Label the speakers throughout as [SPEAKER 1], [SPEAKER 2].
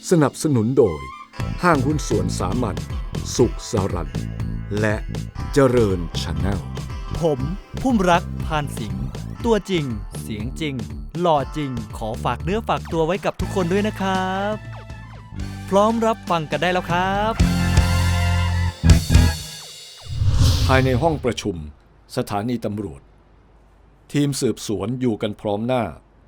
[SPEAKER 1] สนับสนุนโดยห้างหุ้นส่วนสามัญสุขสรันและเจริญชาแนล
[SPEAKER 2] ผมพุ่มรักพานสิงห์ตัวจริงเสียงจริงหล่อจริงขอฝากเนื้อฝากตัวไว้กับทุกคนด้วยนะครับพร้อมรับฟังกันได้แล้วครับ
[SPEAKER 1] ภายในห้องประชุมสถานีตำรวจทีมสืบสวนอยู่กันพร้อมหน้า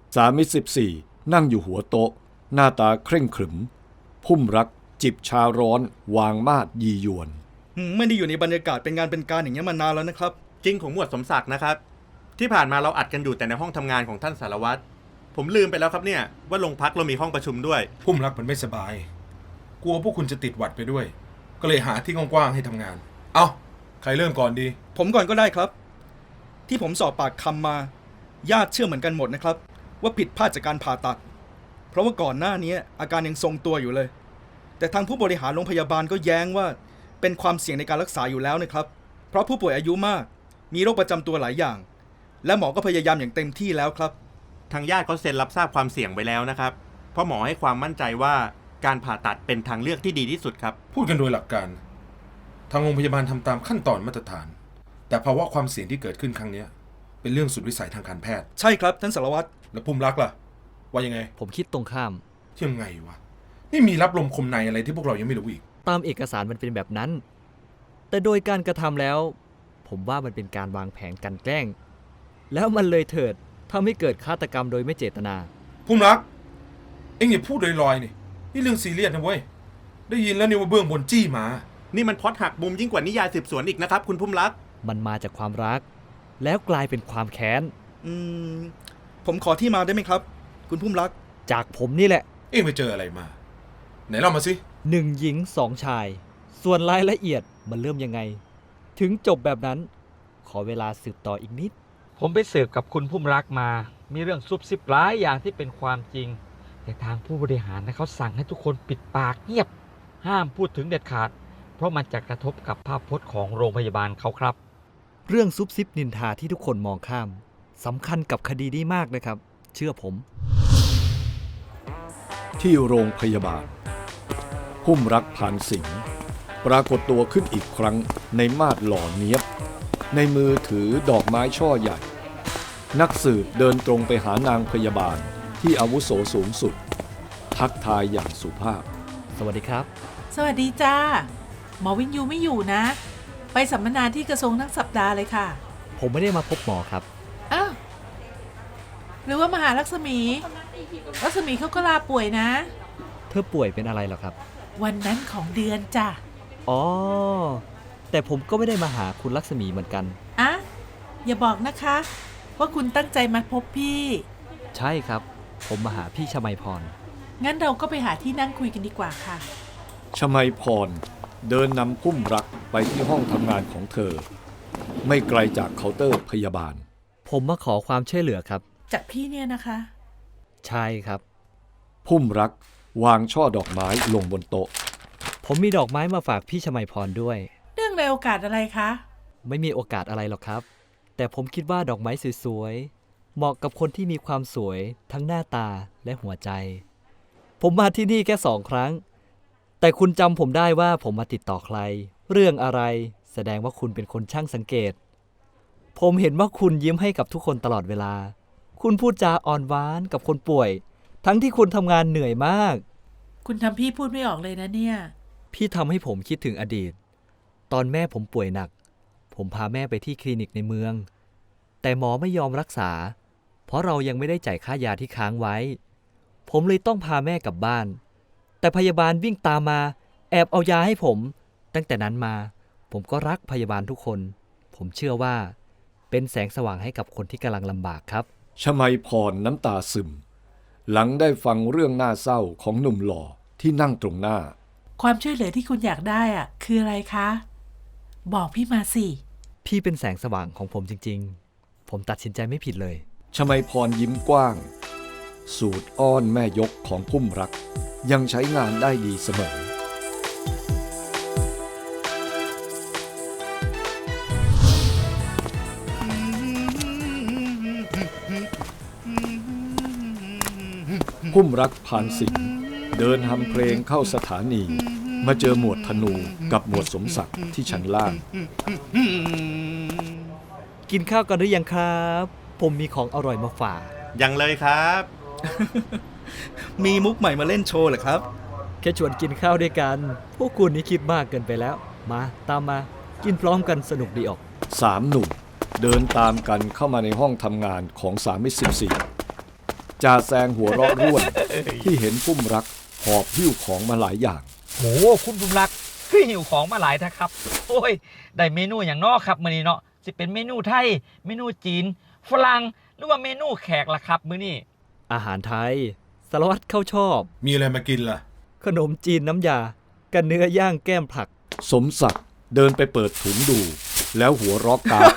[SPEAKER 1] 314นั่งอยู่หัวโต๊ะหน้าตาเคร่งขรึมพุ่มรักจิบชาร้อนวางมาดยียวน
[SPEAKER 3] ไม่ได้อยู่ในบรรยากาศเป็นงานเป็นการอย่างนี้มานานแล้วนะครับ
[SPEAKER 4] จริงของหมวดสมศักดิ์นะครับที่ผ่านมาเราอัดกันอยู่แต่ในห้องทำงานของท่านสารวัตรผมลืมไปแล้วครับเนี่ยว่าโรงพักเรามีห้องประชุมด้วย
[SPEAKER 5] พุ่มรักมันไม่สบายกลัวพวกคุณจะติดหวัดไปด้วยก็เลยหาที่กว้างๆให้ทำงานเอาใครเริ่มก่อนดี
[SPEAKER 3] ผมก่อนก็ได้ครับที่ผมสอบปากคำมาญาติเชื่อเหมือนกันหมดนะครับว่าผิดพลาดจากการผ่าตัดเพราะว่าก่อนหน้านี้อาการยังทรงตัวอยู่เลยแต่ทางผู้บริหารโรงพยาบาลก็แย้งว่าเป็นความเสี่ยงในการรักษาอยู่แล้วนะครับเพราะผู้ป่วยอายุมากมีโรคประจำตัวหลายอย่างและหมอก็พยายามอย่างเต็มที่แล้วครับ
[SPEAKER 4] ทางญาติก็เซ็นรับทราบความเสี่ยงไว้แล้วนะครับเพราะหมอให้ความมั่นใจว่าการผ่าตัดเป็นทางเลือกที่ดีที่สุดครับ
[SPEAKER 5] พูดกันโดยหลักการทางโรงพยาบาลทำตามขั้นตอนมาตรฐานแต่ภาวะความเสี่ยงที่เกิดขึ้นครั้งนี้เป็นเรื่องสุดวิสัยทางการแพทย์
[SPEAKER 3] ใช่ครับท่านสารวัตร
[SPEAKER 5] แล้วพุ่มรักล่ะว่ายังไง
[SPEAKER 2] ผมคิดตรงข้าม
[SPEAKER 5] ยังไงวะนี่มีรับลมคมในอะไรที่พวกเรายังไม่รู้อีก
[SPEAKER 2] ตามเอกสารมันเป็นแบบนั้นแต่โดยการกระทำแล้วผมว่ามันเป็นการวางแผนกันแกล้งแล้วมันเลยเถิดทำให้เกิดฆาตกรรมโดยไม่เจตนา
[SPEAKER 5] พุ่มรักเอ็งอย่าพูดลอยๆนี่เรื่องซีเรียสนะเว้ยได้ยินแล้วนี่ว่าเบื้องบนจี้มา
[SPEAKER 4] นี่มันพล็อตหักมุมยิ่งกว่านิยายสืบสวนอีกนะครับคุณพุ่มรัก
[SPEAKER 2] มันมาจากความรักแล้วกลายเป็นความแค้น
[SPEAKER 3] ผมขอที่มาได้ไหมครับคุณพุ่มรัก
[SPEAKER 2] จากผมนี่แหละ
[SPEAKER 5] เอ็งไปเจออะไรมาไหนเล่ามาสิ
[SPEAKER 2] 1 หญิง 2 ชายส่วนรายละเอียดมันเริ่มยังไงถึงจบแบบนั้นขอเวลาสืบต่ออีกนิด
[SPEAKER 6] ผมไปสืบกับคุณพุ่มรักมามีเรื่องซุบซิบหลายอย่างที่เป็นความจริงแต่ทางผู้บริหารเขาสั่งให้ทุกคนปิดปากเงียบห้ามพูดถึงเด็ดขาดเพราะมันจะกระทบกับภาพพจน์ของโรงพยาบาลเขาครับ
[SPEAKER 2] เรื่องซุบซิบนินทาที่ทุกคนมองข้ามสำคัญกับคดีนี้มากนะครับเชื่อผม
[SPEAKER 1] ที่โรงพยาบาลพุ่มรักพานสิงห์ปรากฏตัวขึ้นอีกครั้งในมาดหล่อเนียบในมือถือดอกไม้ช่อใหญ่นักสืบเดินตรงไปหานางพยาบาลที่อาวุโสสูงสุดทักทายอย่างสุภาพ
[SPEAKER 2] สวัสดีครับ
[SPEAKER 7] สวัสดีจ้าหมอวินยูไม่อยู่นะไปสัมมนาที่กระทรวงทั้งสัปดาห์เลยค่ะ
[SPEAKER 2] ผมไม่ได้มาพบหมอครับ
[SPEAKER 7] อ้าวหรือว่ามาหาลักษมีเขาก็ลาป่วยนะ
[SPEAKER 2] เธอป่วยเป็นอะไรหรอครับ
[SPEAKER 7] วันนั้นของเดือนจ้ะ
[SPEAKER 2] อ๋อแต่ผมก็ไม่ได้มาหาคุณลักษมีเหมือนกัน
[SPEAKER 7] อะอย่าบอกนะคะว่าคุณตั้งใจมาพบพี่
[SPEAKER 2] ใช่ครับผมมาหาพี่ชมัยพร
[SPEAKER 7] งั้นเราก็ไปหาที่นั่งคุยกันดีกว่าค่ะ
[SPEAKER 1] ชมัยพรเดินนำพุ่มรักไปที่ห้องทำงานของเธอไม่ไกลจากเคาน์เตอร์พยาบาล
[SPEAKER 2] ผมมาขอความช่วยเหลือครับ
[SPEAKER 7] จากพี่เนี่ยนะคะ
[SPEAKER 2] ใช่ครับ
[SPEAKER 1] พุ่มรักวางช่อดอกไม้ลงบนโต๊ะ
[SPEAKER 2] ผมมีดอกไม้มาฝากพี่ชมัยพรด้วย
[SPEAKER 7] เนื่องในโอกาสอะไรคะ
[SPEAKER 2] ไม่มีโอกาสอะไรหรอกครับแต่ผมคิดว่าดอกไม้สวยๆเหมาะกับคนที่มีความสวยทั้งหน้าตาและหัวใจผมมาที่นี่แค่2 ครั้งแต่คุณจำผมได้ว่าผมมาติดต่อใครเรื่องอะไรแสดงว่าคุณเป็นคนช่างสังเกตผมเห็นว่าคุณยิ้มให้กับทุกคนตลอดเวลาคุณพูดจาอ่อนหวานกับคนป่วยทั้งที่คุณทำงานเหนื่อยมาก
[SPEAKER 7] คุณทำพี่พูดไม่ออกเลยนะเนี่ย
[SPEAKER 2] พี่ทำให้ผมคิดถึงอดีตตอนแม่ผมป่วยหนักผมพาแม่ไปที่คลินิกในเมืองแต่หมอไม่ยอมรักษาเพราะเรายังไม่ได้จ่ายค่ายาที่ค้างไว้ผมเลยต้องพาแม่กลับบ้านแต่พยาบาลวิ่งตามมาแอบเอายาให้ผมตั้งแต่นั้นมาผมก็รักพยาบาลทุกคนผมเชื่อว่าเป็นแสงสว่างให้กับคนที่กำลังลำบากครับ
[SPEAKER 1] ชมัยพรน้ำตาซึมหลังได้ฟังเรื่องน่าเศร้าของหนุ่มหล่อที่นั่งตรงหน้า
[SPEAKER 7] ความช่วยเหลือที่คุณอยากได้อ่ะคืออะไรคะบอกพี่มาสิ
[SPEAKER 2] พี่เป็นแสงสว่างของผมจริงๆผมตัดสินใจไม่ผิดเลย
[SPEAKER 1] ชมัยพรยิ้มกว้างสูตรอ้อนแม่ยกของพุ่มรักยังใช้งานได้ดีเสมอพุ่มรักพานสิงห์เดินทำเพลงเข้าสถานี มาเจอหมวดธนูกับหมวดสมศักดิ์ที่ชั้นล่าง
[SPEAKER 2] กินข้าวกันหรือยังครับ ผมมีของอร่อยมาฝาก
[SPEAKER 4] ยังเลยครับ
[SPEAKER 3] มีมุกใหม่มาเล่นโชว์เหรอครับ
[SPEAKER 2] แค่ชวนกินข้าวด้วยกัน พวกคุณนี่คิดมากเกินไปแล้ว มาตามมา กินพร้อมกันสนุกดีออก
[SPEAKER 1] สามหนุ่มเดินตามกันเข้ามาในห้องทำงานของสามิตร14จ่าแซงหัวเราะร่วน ที่เห็นพุ่มรักหอบหิ้วของมาหลายอย่าง
[SPEAKER 6] โหคุณบุญรักคือหิวของมาหลายนะครับ โอ้ย ได้เมนูอย่างนอกครับมื้อนี้เนาะสิเป็นเมนูไทย เมนูจีน ฝรั่งหรือว่าเมนูแขกล่ะครับมื้อนี้
[SPEAKER 2] อาหารไทยสารวัตรเขาชอบ
[SPEAKER 5] มีอะไรมากินล่ะ
[SPEAKER 2] ขนมจีนน้ำยากันเนื้อย่างแก้มผัก
[SPEAKER 1] สมศักดิ์เดินไปเปิดถุงดู แล้วหัวเรอกกาก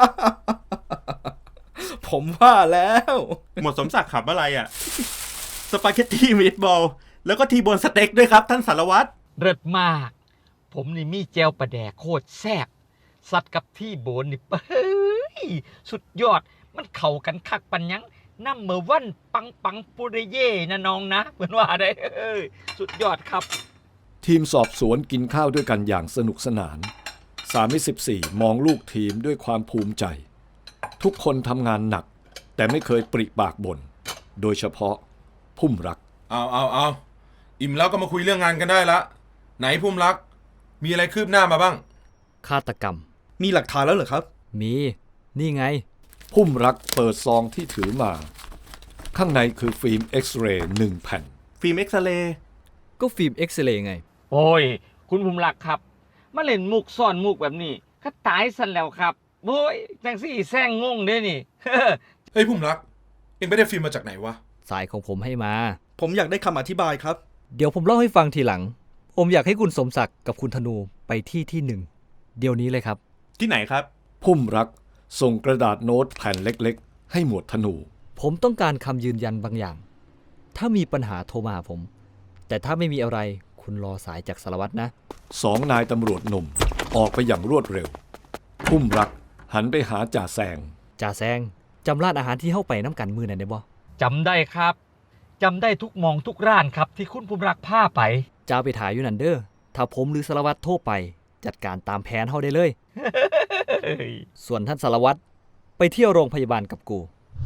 [SPEAKER 3] ผมว่าแล้ว
[SPEAKER 4] หมวดสมศักดิ์ขับอะไรอ่ะ สปาเกตตี้มีดบอล แล้วก็ทีโบนสเต็กด้วยครับ ท่านสารวัตร
[SPEAKER 6] เลิศมาก ผมนี่มีแจวปลาแดกโคตรแซ่บสัตว์กับที่โบนนี่เฮ้ยสุดยอดมันเข้ากันคักปันยังน้ำเมอวันปังปังปุริเย่นะน้องนะเหมือนว่าได้เอ้ยสุดยอดครับ
[SPEAKER 1] ทีมสอบสวนกินข้าวด้วยกันอย่างสนุกสนานสามิตร14มองลูกทีมด้วยความภูมิใจ ทุกคนทำงานหนัก แต่ไม่เคยปริปากบ่นโดยเฉพาะพุ่มรัก
[SPEAKER 5] เอาอิ่มแล้วก็มาคุยเรื่องงานกันได้ละ ไหนพุ่มรัก มีอะไรคืบหน้ามาบ้าง
[SPEAKER 2] ฆาตกรรม
[SPEAKER 3] มีหลักฐานแล้วเหรอครับ
[SPEAKER 2] มี นี่ไง
[SPEAKER 1] พุ่มรักเปิดซองที่ถือมา ข้างในคือฟิล์มเอ็กซเรย์1แผ่น
[SPEAKER 4] ฟิล์มเอ็กซเรย์
[SPEAKER 2] ก็ฟิล์มเอ็กซเรย์ไง
[SPEAKER 6] โอ้ย คุณภูมิรักครับ มาเล่นมุกซ่อนมุกแบบนี้ก็ตายสันแล้วครับโอ้ยจังสี่แซงงงเด้นี่
[SPEAKER 5] เฮ้ยพุ่มรัก เอ็งไปได้ฟิล์มมาจากไหนวะ
[SPEAKER 2] สายของผมให้มา
[SPEAKER 3] ผมอยากได้คำอธิบายครับ
[SPEAKER 2] เดี๋ยวผมเล่าให้ฟังทีหลัง ผมอยากให้คุณสมศักดิ์กับคุณธนูไปที่หนึ่ง เดี๋ยวนี้เลยครับ
[SPEAKER 4] ที่ไหนครับ
[SPEAKER 1] พุ่มรักส่งกระดาษโน้ตแผ่นเล็กๆ ให้หมวดธนู
[SPEAKER 2] ผมต้องการคำยืนยันบางอย่าง ถ้ามีปัญหาโทรมาหาผม แต่ถ้าไม่มีอะไรคุณรอสายจากสารวัตรนะ
[SPEAKER 1] สองนายตำรวจหนุ่มออกไปอย่างรวดเร็ว พุ่มรักหันไปหาจ่าแซง
[SPEAKER 2] จ่าแซงจำร้านอาหารที่เข้าไปน้ำกันมือไหนได้บ่
[SPEAKER 6] จำได้ครับ จำได้ทุกมองทุกร้านครับที่คุณภูมิรักพาไป
[SPEAKER 2] จ่าไปถ่ายอยู่นั่นเด้อ ถ้าผมหรือสารวัตรโทรไป จัดการตามแผนเฮาได้เลย ส่วนท่านสารวัตรไปเที่ยวโรงพยาบาลกับกู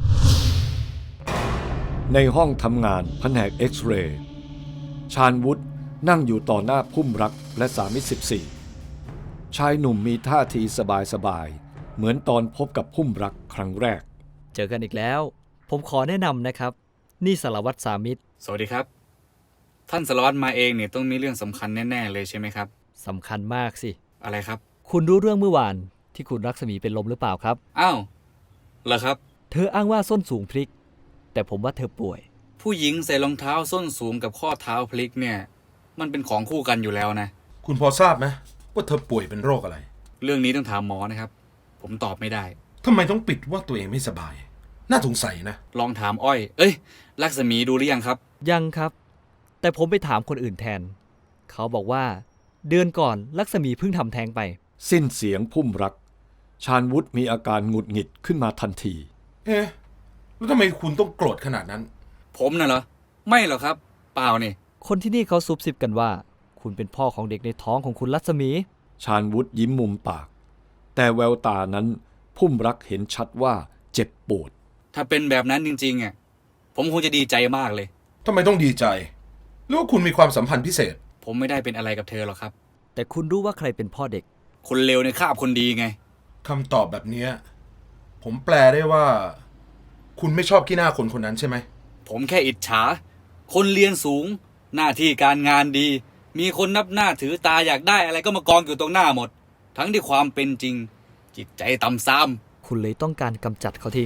[SPEAKER 1] ในห้องทำงานแผนกเอ็กซเรย์ชาญวุฒินั่งอยู่ต่อหน้าพุ่มรักและสามิตร14ชายหนุ่มมีท่าทีสบายๆเหมือนตอนพบกับพุ่มรักครั้งแรก
[SPEAKER 2] เจอกันอีกแล้ว ผมขอแนะนำนะครับ นี่สารวัตรสามิตร
[SPEAKER 8] สวัสดีครับ ท่านสารวัตรมาเองเนี่ยต้องมีเรื่องสำคัญแน่ๆเลยใช่ไหมครับ
[SPEAKER 2] สำคัญมากสิ
[SPEAKER 8] อะไรครับ
[SPEAKER 2] คุณรู้เรื่องเมื่อวานที่คุณรักษมีเป็นลมหรือเปล่าครับ
[SPEAKER 8] อ้าวเหรอครับ
[SPEAKER 2] เธออ้างว่าส้นสูงพลิก แต่ผมว่าเธอป่วย
[SPEAKER 8] ผู้หญิงใส่รองเท้าส้นสูงกับข้อเท้าพลิกเนี่ย มันเป็นของคู่กันอยู่แล้วนะ
[SPEAKER 5] คุณพอทราบไหมว่าเธอป่วยเป็นโรคอะไร
[SPEAKER 8] เรื่องนี้ต้องถามหมอนะครับ ผมตอบไม่ได้
[SPEAKER 5] ทำไมต้องปิดว่าตัวเองไม่สบาย น่าสงสัยนะ
[SPEAKER 8] ลองถามอ้อย เอ้ย ลักษมีดูหรือยังครับ
[SPEAKER 2] ยังครับ แต่ผมไปถามคนอื่นแทน เขาบอกว่าเดือนก่อนลักษมีเพิ่งทำแท้งไป
[SPEAKER 1] สิ้นเสียงพุ่มรัก ชาญวุฒิมีอาการหงุดหงิดขึ้นมาทันที
[SPEAKER 5] เอ๊ะ แล้วทำไมคุณต้องโกรธขนาดนั้น
[SPEAKER 8] ผมน่ะเหรอ ไม่หรอกครับ เปล่านี่
[SPEAKER 2] คนที่นี่เขาซุบซิบกันว่า คุณเป็นพ่อของเด็กในท้องของคุณรัศมี
[SPEAKER 1] ชาญวุฒิยิ้มมุมปาก แต่แววตานั้นพุ่มรักเห็นชัดว่าเจ็บปวด
[SPEAKER 8] ถ้าเป็นแบบนั้นจริงๆอ่ะผมคงจะดีใจมากเลย
[SPEAKER 5] ทำไมต้องดีใจ หรือว่าคุณมีความสัมพันธ์พิเศษ
[SPEAKER 8] ผมไม่ได้เป็นอะไรกับเธอหรอกครับ
[SPEAKER 2] แต่คุณรู้ว่าใครเป็นพ่อเด็ก
[SPEAKER 8] คนเลวในคาบคนดีไง
[SPEAKER 5] คำตอบแบบเนี้ยผมแปลได้ว่า คุณไม่ชอบขี้หน้าคนคนนั้นใช่ไหม
[SPEAKER 8] ผมแค่อิจฉา คนเรียนสูง หน้าที่การงานดี มีคนนับหน้าถือตาอยากได้อะไรก็มากองอยู่ตรงหน้าหมด ทั้งที่ความเป็นจริง จิตใจต่ำซ้ำ
[SPEAKER 2] คุณเลยต้องการกำจัดเขาทิ้ง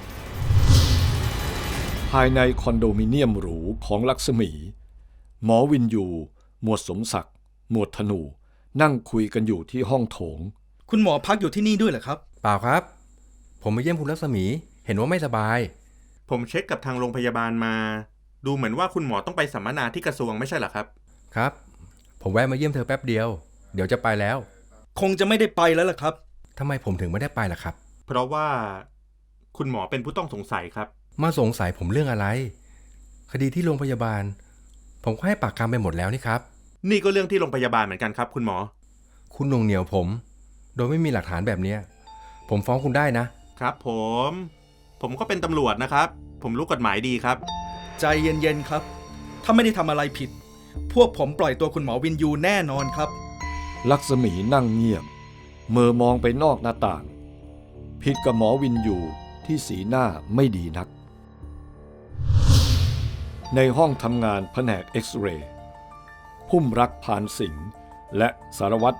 [SPEAKER 1] ภายในคอนโดมิเนียมหรูของลักษมี หมอวินยู หมวดสมศักดิ์ หมวดธนู นั่งคุยกันอยู่ที่ห้องโถง
[SPEAKER 3] คุณหมอพักอยู่ที่นี่ด้วยเหรอครับ
[SPEAKER 9] เปล่าครับ ผมมาเยี่ยมคุณรัศมี เห็นว่าไม่สบาย
[SPEAKER 4] ผมเช็คกับทางโรงพยาบาลมา ดูเหมือนว่าคุณหมอต้องไปสัมมนาที่กระทรวงไม่ใช่เหรอครับ
[SPEAKER 9] ครับ ผมแวะมาเยี่ยมเธอแป๊บเดียว เดี๋ยวจะไปแล้ว
[SPEAKER 3] คงจะไม่ได้ไปแล้วล่ะครับ
[SPEAKER 9] ทำไมผมถึงไม่ได้ไปล่ะครับ
[SPEAKER 4] เพราะว่าคุณหมอเป็นผู้ต้องสงสัยครับ
[SPEAKER 9] มาสงสัยผมเรื่องอะไร คดีที่โรงพยาบาลผมก็ให้ปากคำไปหมดแล้วนี่ครับ
[SPEAKER 4] นี่ก็เรื่องที่โรงพยาบาลเหมือนกันครับคุณหมอ
[SPEAKER 9] คุณหน่วงเหนียวผม โดยไม่มีหลักฐานแบบเนี้ยผมฟ้องคุณได้นะ
[SPEAKER 4] ครับผมก็เป็นตำรวจนะครับ ผมรู้กฎหมายดีครับ
[SPEAKER 3] ใจเย็นๆครับ ถ้าไม่ได้ทำอะไรผิด พวกผมปล่อยตัวคุณหมอวินยูแน่นอนครับ
[SPEAKER 1] ลักษมีนั่งเงียบเมื่อมองไปนอกหน้าต่าง ผิดกับหมอวินยูที่สีหน้าไม่ดีนัก ในห้องทำงานแผนกเอ็กซเรย์พุ่มรักพานสิงห์และสารวัตร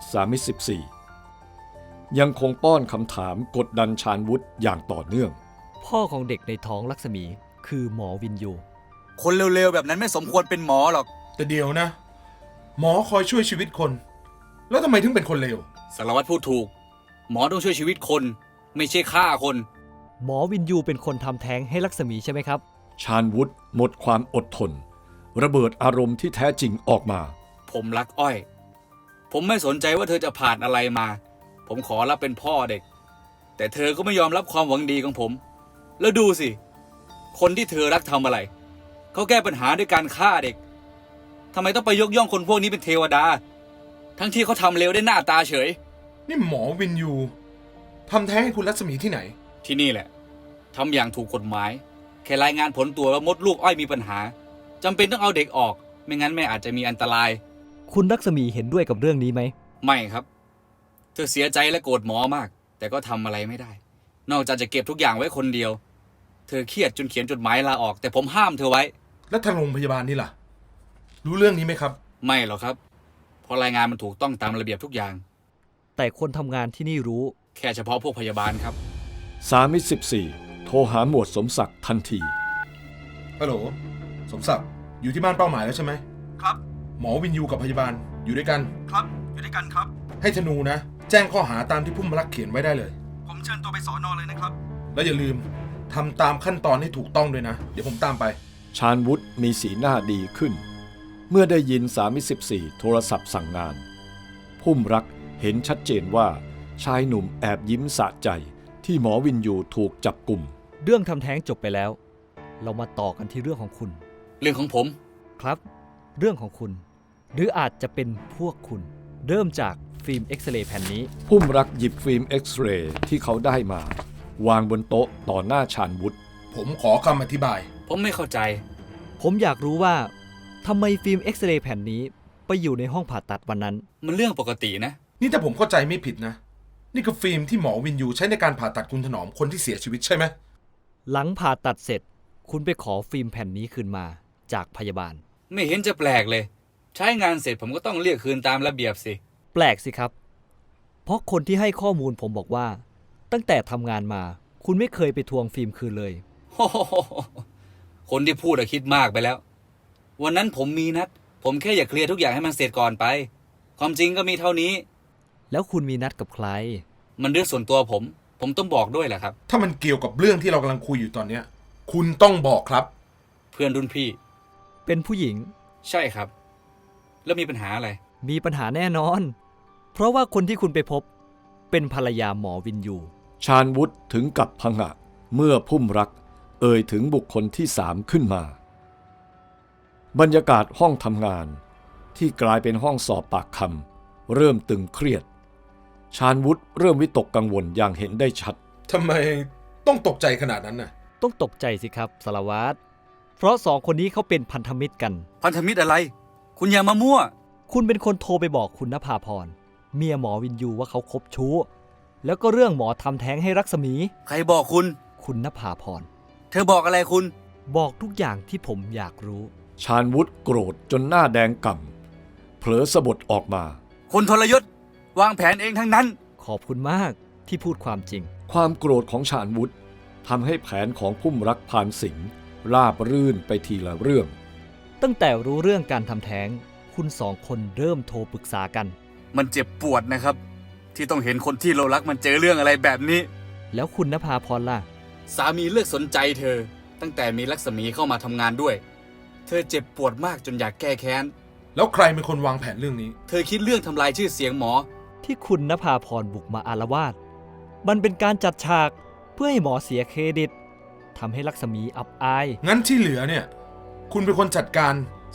[SPEAKER 1] 314ยังคงป้อนคำถามกดดันชาญวุฒิอย่างต่อเนื่อง
[SPEAKER 2] พ่อของเด็กในท้องลักษมีคือหมอวินยู
[SPEAKER 8] คนเร็วๆแบบนั้นไม่สมควรเป็นหมอหรอก
[SPEAKER 5] แต่เดี๋ยวนะ หมอคอยช่วยชีวิตคน แล้วทำไมถึงเป็นคนเลว
[SPEAKER 8] สารวัตรพูดถูก หมอต้องช่วยชีวิตคน ไม่ใช่ฆ่าคน
[SPEAKER 2] หมอวินยูเป็นคนทำแท้งให้ลักษมีใช่ไหมครับ
[SPEAKER 1] ชาญวุฒิหมดความอดทน ระเบิดอารมณ์ที่แท้จริงออกมา
[SPEAKER 8] ผมรักอ้อย ผมไม่สนใจว่าเธอจะผ่านอะไรมา ผมขอรับเป็นพ่อเด็ก แต่เธอก็ไม่ยอมรับความหวังดีของผม แล้วดูสิ คนที่เธอรักทำอะไร เขาแก้ปัญหาด้วยการฆ่าเด็กทำไมต้องไปยกย่องคนพวกนี้เป็นเทวดา ทั้งที่เขาทำเลวได้หน้าตาเฉย
[SPEAKER 5] นี่หมอวินยูทำแท้งให้คุณรัศมีที่ไหน
[SPEAKER 8] ที่นี่แหละทำอย่างถูกกฎหมาย แค่รายงานผลตรวจว่ามดลูกอ้อยมีปัญหาจำเป็นต้องเอาเด็กออก ไม่งั้นแม่อาจจะมีอันตราย
[SPEAKER 2] คุณลักษมีเห็นด้วยกับเรื่องนี้ไหม
[SPEAKER 8] ไม่ครับ เธอเสียใจและโกรธหมอมาก แต่ก็ทำอะไรไม่ได้ นอกจากจะเก็บทุกอย่างไว้คนเดียว เธอเครียดจนเขียนจดหมายลาออก แต่ผมห้ามเธอไว้
[SPEAKER 5] แล้วทางโรงพยาบาลนี่ล่ะ รู้เรื่องนี้ไหมครับ
[SPEAKER 8] ไม่หรอกครับ เพราะรายงานมันถูกต้องตามระเบียบทุกอย่าง
[SPEAKER 2] แต่คนทำงานที่นี่รู้
[SPEAKER 8] แค่เฉพาะพวกพยาบาลครับ
[SPEAKER 1] 314โทรหาหมวดสมศักดิ์ทันที
[SPEAKER 5] ฮัลโหล สมศักดิ์ อยู่ที่บ้านเป้าหมายแล้วใช่ไหม
[SPEAKER 3] ครับ
[SPEAKER 5] หมอวินยูกับพยาบาลอยู่ด้วยกัน
[SPEAKER 3] ครับ อยู่ด้วยกันครับ
[SPEAKER 5] ให้ธนูนะ แจ้งข้อหาตามที่พุ่มรักเขียนไว้ได้เลย
[SPEAKER 3] ผมเชิญตัวไปสอนอเลยนะครับ
[SPEAKER 5] แล้วอย่าลืมทำตามขั้นตอนให้ถูกต้องด้วยนะ เดี๋ยวผมตามไป
[SPEAKER 1] ชาญวุฒิมีสีหน้าดีขึ้น เมื่อได้ยิน314โทรศัพท์สั่งงาน พุ่มรักเห็นชัดเจนว่าชายหนุ่มแอบยิ้มสะใจที่หมอวินยูถูกจับกลุ่ม
[SPEAKER 2] เรื่องทำแท้งจบไปแล้ว เรามาต่อกันที่เรื่องของคุณ
[SPEAKER 8] เรื่องของผม
[SPEAKER 2] ครับ เรื่องของคุณ หรืออาจจะเป็นพวกคุณ เริ่มจากฟิล์มเอ็กซเรย์แผ่นนี้
[SPEAKER 1] พุ่มรักหยิบฟิล์มเอ็กซเรย์ที่เขาได้มา วางบนโต๊ะต่อหน้าชาญวุฒิ
[SPEAKER 5] ผมขอคำอธิบาย
[SPEAKER 8] ผมไม่เข้าใจ
[SPEAKER 2] ผมอยากรู้ว่าทำไมฟิล์มเอ็กซเรย์แผ่นนี้ไปอยู่ในห้องผ่าตัดวันนั้น
[SPEAKER 8] มันเรื่องปกตินะ
[SPEAKER 5] นี่ถ้าผมเข้าใจไม่ผิดนะ นี่คือฟิล์มที่หมอวินยูใช้ในการผ่าตัดคุณถนอมคนที่เสียชีวิตใช่ไหม
[SPEAKER 2] หลังผ่าตัดเสร็จ คุณไปขอฟิล์มแผ่นนี้คืนมาจากพยาบาล
[SPEAKER 8] ไม่เห็นจะแปลกเลย ใช้งานเสร็จผมก็ต้องเรียกคืนตามระเบียบสิ
[SPEAKER 2] แปลกสิครับ เพราะคนที่ให้ข้อมูลผมบอกว่า ตั้งแต่ทำงานมา คุณไม่เคยไปทวงฟิล์มคืนเลย
[SPEAKER 8] โอ้โหคนที่พูดอะคิดมากไปแล้ว วันนั้นผมมีนัด ผมแค่อยากเคลียร์ทุกอย่างให้มันเสร็จก่อนไป ความจริงก็มีเท่านี้
[SPEAKER 2] แล้วคุณมีนัดกับใคร
[SPEAKER 8] มันเรื่องส่วนตัวผมต้องบอกด้วยแหละครับ
[SPEAKER 5] ถ้ามันเกี่ยวกับเรื่องที่เรากำลังคุยอยู่ตอนเนี้ย คุณต้องบอกครับ
[SPEAKER 8] เพื่อนรุ่นพี่
[SPEAKER 2] เป็นผู้หญิง
[SPEAKER 8] ใช่ครับ แล้วมีปัญหาอะไร
[SPEAKER 2] มีปัญหาแน่นอน เพราะว่าคนที่คุณไปพบ เป็นภรรยาหมอวินยู
[SPEAKER 1] ชาญวุฒิถึงกับผงะเมื่อพุ่มรักเอ่ยถึงบุคคลที่3ขึ้นมา บรรยากาศห้องทำงานที่กลายเป็นห้องสอบปากคำเริ่มตึงเครียด ชาญวุฒิเริ่มวิตกกังวลอย่างเห็นได้ชัด
[SPEAKER 5] ทำไมต้องตกใจขนาดนั้นน่ะ
[SPEAKER 2] ต้องตกใจสิครับสารวัตร เพราะสองคนนี้เขาเป็นพันธมิตรกัน
[SPEAKER 8] พันธมิตรอะไร คุณอย่ามามั่ว
[SPEAKER 2] คุณเป็นคนโทรไปบอกคุณนภาพร เมียหมอวินยูว่าเขาคบชู้ แล้วก็เรื่องหมอทำแท้งให้รักษมี
[SPEAKER 8] ใครบอกคุณ
[SPEAKER 2] คุณนภาพร
[SPEAKER 8] เธอบอกอะไรคุณ
[SPEAKER 2] บอกทุกอย่างที่ผมอยากรู้
[SPEAKER 1] ชาญวุฒิโกรธจนหน้าแดงก่ำเผลอสะบดออกมา
[SPEAKER 8] คนทรยศ วางแผนเองทั้งนั้น
[SPEAKER 2] ขอบคุณมากที่พูดความจริง
[SPEAKER 1] ความโกรธของชาญวุฒิทำให้แผนของพุ่มรักพานสิงห์ราบรื่นไปทีละเรื่อง
[SPEAKER 2] ตั้งแต่รู้เรื่องการทำแท้ง คุณสองคนเริ่มโทรปรึกษากัน
[SPEAKER 8] มันเจ็บปวดนะครับ ที่ต้องเห็นคนที่เรารักมันเจอเรื่องอะไรแบบนี้
[SPEAKER 2] แล้วคุณนภาพรล่ะ
[SPEAKER 8] สามีเลิกสนใจเธอ ตั้งแต่มีลักษมีเข้ามาทำงานด้วย เธอเจ็บปวดมากจนอยากแก้แค้น
[SPEAKER 5] แล้วใครเป็นคนวางแผนเรื่องนี้
[SPEAKER 8] เธอคิดเรื่องทำลายชื่อเสียงหมอ
[SPEAKER 2] ที่คุณนภาพรบุกมาอาละวาด มันเป็นการจัดฉากเพื่อให้หมอเสียเครดิตทำให้ลักษมีอับอาย
[SPEAKER 5] งั้นที่เหลือเนี่ย คุณเป็นคนจัดการ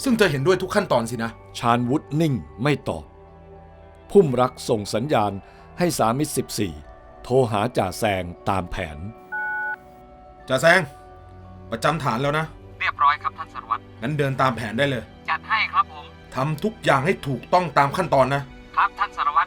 [SPEAKER 5] ซึ่งเธอเห็นด้วยทุกขั้นตอนสินะ
[SPEAKER 1] ชาญวุฒินิ่งไม่ตอบ พุ่มรักส่งสัญญาณให้สามิตร14 โทรหาจ่าแซงตามแผน
[SPEAKER 5] จ่าแซง ประจำฐานแล้วนะ
[SPEAKER 6] เรียบร้อยครับท่านสารวัตร
[SPEAKER 5] งั้นเดินตามแผนได้เลย
[SPEAKER 6] จัดให้ครับผม
[SPEAKER 5] ทำทุกอย่างให้ถูกต้องตามขั้นตอนนะ
[SPEAKER 6] ครับท่านสารวัตร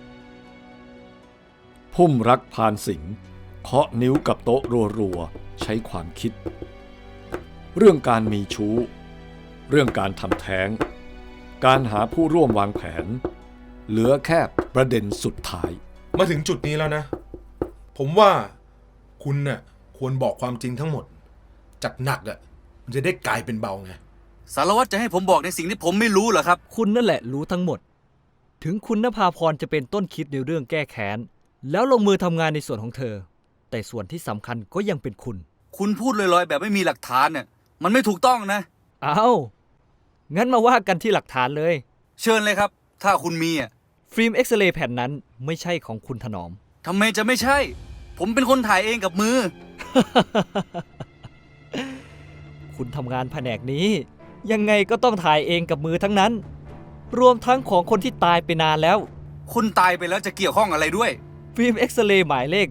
[SPEAKER 1] พุ่มรักพานสิงห์เคาะนิ้วกับโต๊ะรัวๆใช้ความคิด เรื่องการมีชู้ เรื่องการทำแท้ง การหาผู้ร่วมวางแผน เหลือแค่ประเด็นสุดท้าย
[SPEAKER 5] มาถึงจุดนี้แล้วนะ ผมว่าคุณน่ะควรบอกความจริงทั้งหมด จากหนักอ่ะมันจะได้กลายเป็นเบาไง
[SPEAKER 8] สารวัตรจะให้ผมบอกในสิ่งที่ผมไม่รู้เหรอครับ
[SPEAKER 2] คุณนั่นแหละรู้ทั้งหมด ถึงคุณนภาพรจะเป็นต้นคิดในเรื่องแก้แค้น แล้วลงมือทำงานในส่วนของเธอ แต่ส่วนที่สำคัญก็ยังเป็นคุณ
[SPEAKER 8] คุณพูดลอยๆแบบไม่มีหลักฐานเนี่ยมันไม่ถูกต้องนะ
[SPEAKER 2] เอางั้นมาว่ากันที่หลักฐานเลย
[SPEAKER 8] เชิญเลยครับ ถ้าคุณมีอ่ะ
[SPEAKER 2] ฟิล์มเอ็กซเรย์แผ่นนั้นไม่ใช่ของคุณถนอม
[SPEAKER 8] ทำไมจะไม่ใช่ ผมเป็นคนถ่ายเองกับมือ
[SPEAKER 2] คุณทำงานแผนกนี้ ยังไงก็ต้องถ่ายเองกับมือทั้งนั้น รวมทั้งของคนที่ตายไปนานแล้ว
[SPEAKER 8] คุณตายไปแล้วจะเกี่ยวข้องอะไรด้วย
[SPEAKER 2] ฟิล์มเอ็กซเรย์หมายเลข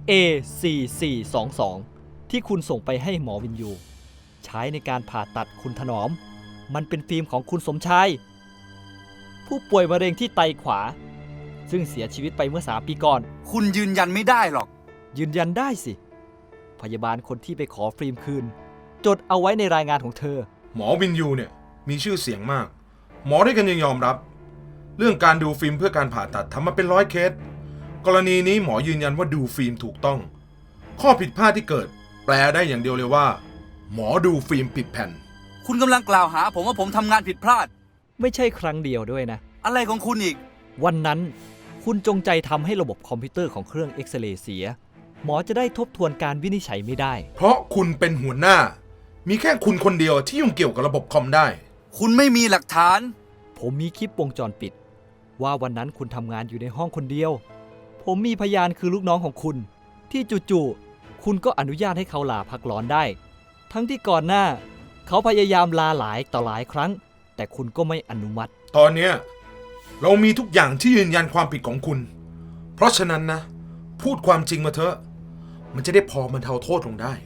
[SPEAKER 2] A4422 ที่คุณส่งไปให้หมอวินยู ใช้ในการผ่าตัดคุณถนอม มันเป็นฟิล์มของคุณสมชาย ผู้ป่วยมะเร็งที่ไตขวา ซึ่งเสียชีวิตไปเมื่อ3 ปีก่อน
[SPEAKER 8] คุณยืนยันไม่ได้หรอก
[SPEAKER 2] ยืนยันได้สิ พยาบาลคนที่ไปขอฟิล์มคืน จดเอาไว้ในรายงานของเธอ
[SPEAKER 5] หมอวินยูเนี่ยมีชื่อเสียงมาก หมอด้วยกันยังยอมรับ เรื่องการดูฟิล์มเพื่อการผ่าตัดทำมาเป็น100 เคส กรณีนี้หมอยืนยันว่าดูฟิล์มถูกต้อง ข้อผิดพลาดที่เกิด แปลได้อย่างเดียวเลยว่า หมอดูฟิล์มผิดแผ่น
[SPEAKER 8] คุณกำลังกล่าวหาผมว่าผมทำงานผิดพลาด
[SPEAKER 2] ไม่ใช่ครั้งเดียวด้วยนะ
[SPEAKER 8] อะไรของคุณอีก
[SPEAKER 2] วันนั้นคุณจงใจทำให้ระบบคอมพิวเตอร์ของเครื่องเอ็กซเรย์เสีย หมอจะได้ทบทวนการวินิจฉัยไม่ได้
[SPEAKER 5] เพราะคุณเป็นหัวหน้า มีแค่คุณคนเดียวที่ยุ่งเกี่ยวกับระบบคอมได้
[SPEAKER 8] คุณไม่มีหลักฐาน
[SPEAKER 2] ผมมีคลิปวงจรปิด ว่าวันนั้นคุณทำงานอยู่ในห้องคนเดียว ผมมีพยานคือลูกน้องของคุณ ที่จู่ๆคุณก็อนุญาตให้เขาลาพักร้อนได้ ทั้งที่ก่อนหน้า เขาพยายามลาหลายต่อหลายครั้ง แต่คุณก็ไม่อนุมัติ
[SPEAKER 5] ตอนเนี้ยเรามีทุกอย่างที่ยืนยันความผิดของคุณ เพราะฉะนั้นนะ พูดความจริงมาเถอะ มันจะได้พอบรรเทาโทษลงได้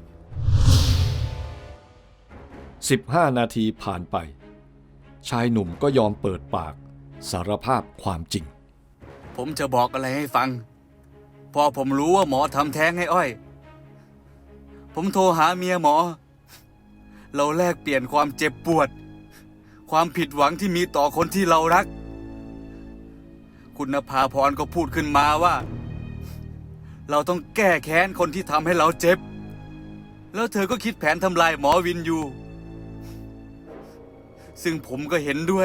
[SPEAKER 1] 15 นาทีผ่านไป ชายหนุ่มก็ยอมเปิดปากสารภาพความจริง
[SPEAKER 8] ผมจะบอกอะไรให้ฟัง พอผมรู้ว่าหมอทำแท้งให้อ้อย ผมโทรหาเมียหมอ เราแลกเปลี่ยนความเจ็บปวด ความผิดหวังที่มีต่อคนที่เรารัก คุณนภาพรก็พูดขึ้นมาว่า เราต้องแก้แค้นคนที่ทำให้เราเจ็บ แล้วเธอก็คิดแผนทำลายหมอวินยู ซึ่งผมก็เห็นด้วย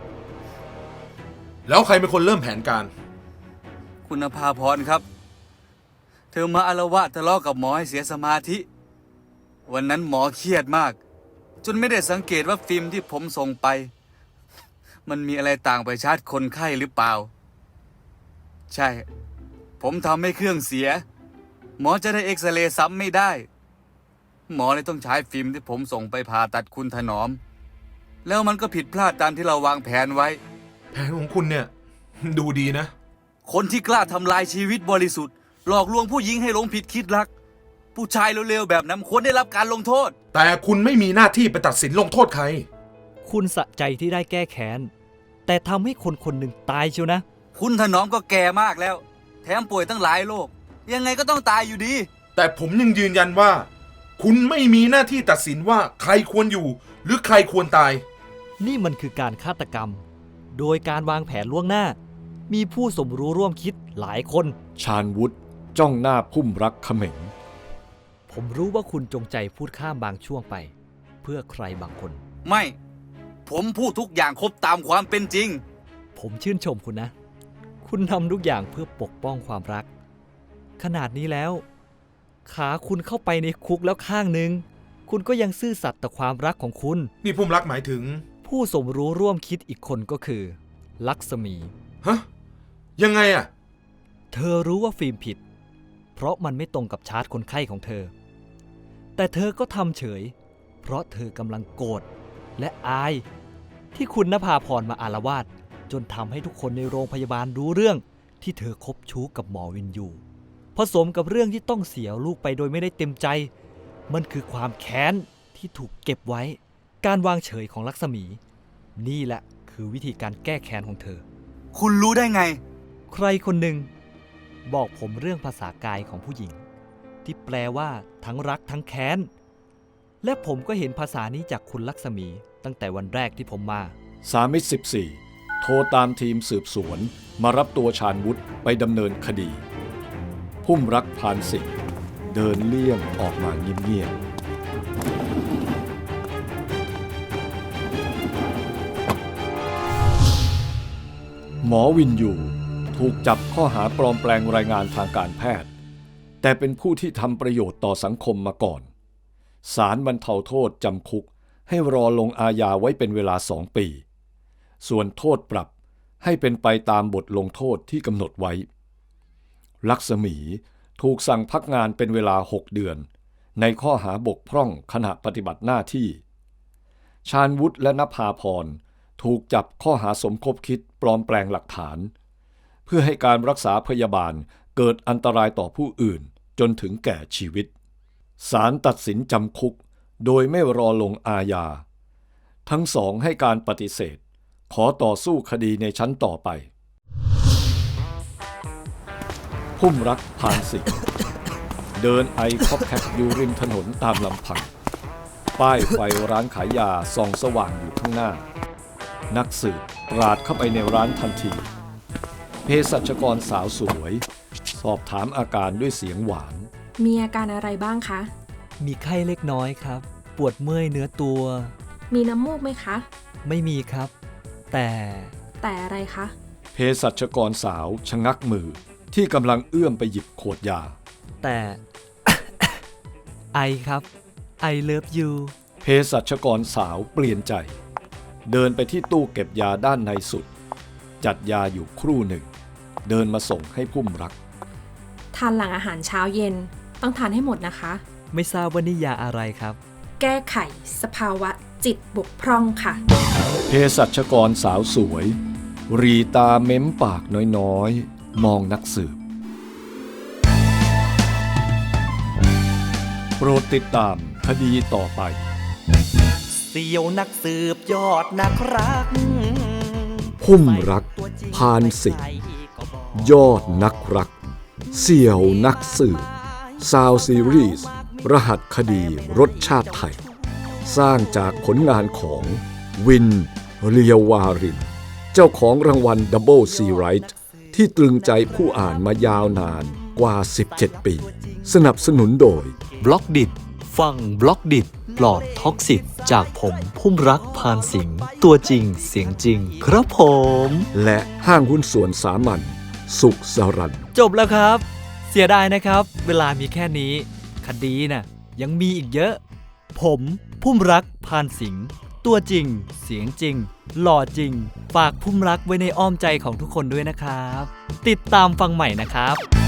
[SPEAKER 5] แล้วใครเป็นคนเริ่มแผนการ
[SPEAKER 8] คุณนภาพรครับ เธอมาอาละวาดทะเลาะกับหมอให้เสียสมาธิ วันนั้นหมอเครียดมาก จนไม่ได้สังเกตว่าฟิล์มที่ผมส่งไป มันมีอะไรต่างไปชาร์จคนไข้หรือเปล่า ใช่ ผมทำให้เครื่องเสีย หมอจะได้เอ็กซเรย์ซ้ำไม่ได้ หมอเลยต้องใช้ฟิล์มที่ผมส่งไปผ่าตัดคุณถนอม แล้วมันก็ผิดพลาดตามที่เราวางแผนไว้
[SPEAKER 5] แผนของคุณเนี่ย ดูดีนะ
[SPEAKER 8] คนที่กล้าทำลายชีวิตบริสุทธิ์หลอกลวงผู้หญิงให้หลงผิดคิดรัก ผู้ชายเร็วๆแบบนั้นควรได้รับการลงโทษ
[SPEAKER 5] แต่คุณไม่มีหน้าที่ไปตัดสินลงโทษใคร
[SPEAKER 2] คุณสะใจที่ได้แก้แค้น แต่ทำให้คนคนหนึ่งตายเชียวนะ
[SPEAKER 8] คุณถนอมก็แก่มากแล้ว แถมป่วยตั้งหลายโรคยังไงก็ต้องตายอยู่ดี
[SPEAKER 5] แต่ผมยังยืนยันว่า คุณไม่มีหน้าที่ตัดสินว่าใครควรอยู่ หรือใครควรตาย
[SPEAKER 2] นี่มันคือการฆาตกรรม โดยการวางแผนล่วงหน้า มีผู้สมรู้ร่วมคิดหลายคน
[SPEAKER 1] ชาญวุฒิจ้องหน้าพุ่มรักเขม็ง
[SPEAKER 2] ผมรู้ว่าคุณจงใจพูดข้ามบางช่วงไป เพื่อใครบางคน
[SPEAKER 8] ไม่ ผมพูดทุกอย่างครบตามความเป็นจริง
[SPEAKER 2] ผมชื่นชมคุณนะ คุณทำทุกอย่างเพื่อปกป้องความรัก ขนาดนี้แล้ว ขาคุณเข้าไปในคุกแล้วข้างหนึ่ง คุณก็ยังซื่อสัตย์ต่อความรักของคุณ
[SPEAKER 5] นี่พุ่มรักหมายถึง
[SPEAKER 2] ผู้สมรู้ร่วมคิดอีกคนก็คือ ลักษมี
[SPEAKER 5] ฮะ ยังไงอะ
[SPEAKER 2] เธอรู้ว่าฟิล์มผิด เพราะมันไม่ตรงกับชาร์ตคนไข้ของเธอ แต่เธอก็ทำเฉย เพราะเธอกำลังโกรธและอายที่คุณนภาพรมาอาละวาดจนทำให้ทุกคนในโรงพยาบาลรู้เรื่องที่เธอคบชู้กับหมอวินยูผสมกับเรื่องที่ต้องเสียลูกไปโดยไม่ได้เต็มใจ มันคือความแค้นที่ถูกเก็บไว้การวางเฉยของลักษมีนี่แหละคือวิธีการแก้แค้นของเธอ
[SPEAKER 8] คุณรู้ได้ไง
[SPEAKER 2] ใครคนหนึ่งบอกผมเรื่องภาษากายของผู้หญิงที่แปลว่าทั้งรักทั้งแค้นและผมก็เห็นภาษานี้จากคุณลักษมีตั้งแต่วันแรกที่ผมมา
[SPEAKER 1] 314 โทรตามทีมสืบสวนมารับตัวชาญวุฒิไปดำเนินคดี พุ่มรักพานสิงห์เดินเลี่ยงออกมาเงียบๆหมอวินยูถูกจับข้อหาปลอมแปลงรายงานทางการแพทย์แต่เป็นผู้ที่ทำประโยชน์ต่อสังคมมาก่อนศาลบรรเทาโทษจำคุกให้รอลงอาญาไว้เป็นเวลา2 ปีส่วนโทษปรับให้เป็นไปตามบทลงโทษที่กำหนดไว้ลักษมีถูกสั่งพักงานเป็นเวลา6 เดือนในข้อหาบกพร่องขณะปฏิบัติหน้าที่ชาญวุฒิและนภาพรถูกจับข้อหาสมคบคิดปลอมแปลงหลักฐานเพื่อให้การรักษาพยาบาลเกิดอันตรายต่อผู้อื่นจนถึงแก่ชีวิตศาลตัดสินจำคุกโดยไม่รอลงอาญาทั้งสองให้การปฏิเสธขอต่อสู้คดีในชั้นต่อไปพุ่มรักพานสิงห์เดินไอคอกแคกอยู่ริมถนนตามลำพังป้ายไฟร้านขายยาส่องสว่างอยู่ข้างหน้านักสืบปราดเข้าไปในร้านทันทีเภสัชกรสาวสวยสอบถามอาการด้วยเสียงหวาน
[SPEAKER 10] มีอาการอะไรบ้างคะ
[SPEAKER 2] มีไข้เล็กน้อยครับปวดเมื่อยเนื้อตัว
[SPEAKER 10] มีน้ำมูกไหมคะ
[SPEAKER 2] ไม่มีครับแต่
[SPEAKER 10] อะไรคะ
[SPEAKER 1] เภสัชกรสาวชะงักมือที่กำลังเอื้อมไปหยิบขวดยา
[SPEAKER 2] แต่ ไอครับ I love you
[SPEAKER 1] เภสัชกรสาวเปลี่ยนใจเดินไปที่ตู้เก็บยาด้านในสุดจัดยาอยู่ครู่หนึ่งเดินมาส่งให้พุ่มรัก
[SPEAKER 10] ทานหลังอาหารเช้าเย็นต้องทานให้หมดนะคะ
[SPEAKER 2] ไม่ทราบว่านี่ยาอะไรครับ
[SPEAKER 10] แก้ไขสภาวะจิตบกพร่องค่ะ
[SPEAKER 1] เภสัชกรสาวสวยรีตาเม้มปากน้อยๆมองนักสืบโปรดติดตามคดีต่อไป
[SPEAKER 11] เสี่ยวนักสืบยอดนักรัก
[SPEAKER 1] พุ่มรักพานสิงห์ยอดนักรักเสี่ยวนักสืบซาวซีรีส์รหัสคดีรสชาติไทยสร้างจากผลงานของวินเรียววารินเจ้าของรางวัล Double C Right ที่ตรึงใจผู้อ่านมายาวนานกว่า17 ปีสนับสนุนโดย
[SPEAKER 2] บล็อกดิฟังบล็อกดิปลอดท็อกซิกจากผมพุ่มรักพานสิงห์ตัวจริงเสียงจริงครับผม
[SPEAKER 1] และห้างหุ้นส่วนสามัญสุขสรัน
[SPEAKER 2] จบแล้วครับเสียดายนะครับเวลามีแค่นี้คดีน่ะยังมีอีกเยอะผมพุ่มรักพานสิงห์ตัวจริงเสียงจริงหล่อจริงฝากพุ่มรักไว้ในอ้อมใจของทุกคนด้วยนะครับติดตามฟังใหม่นะครับ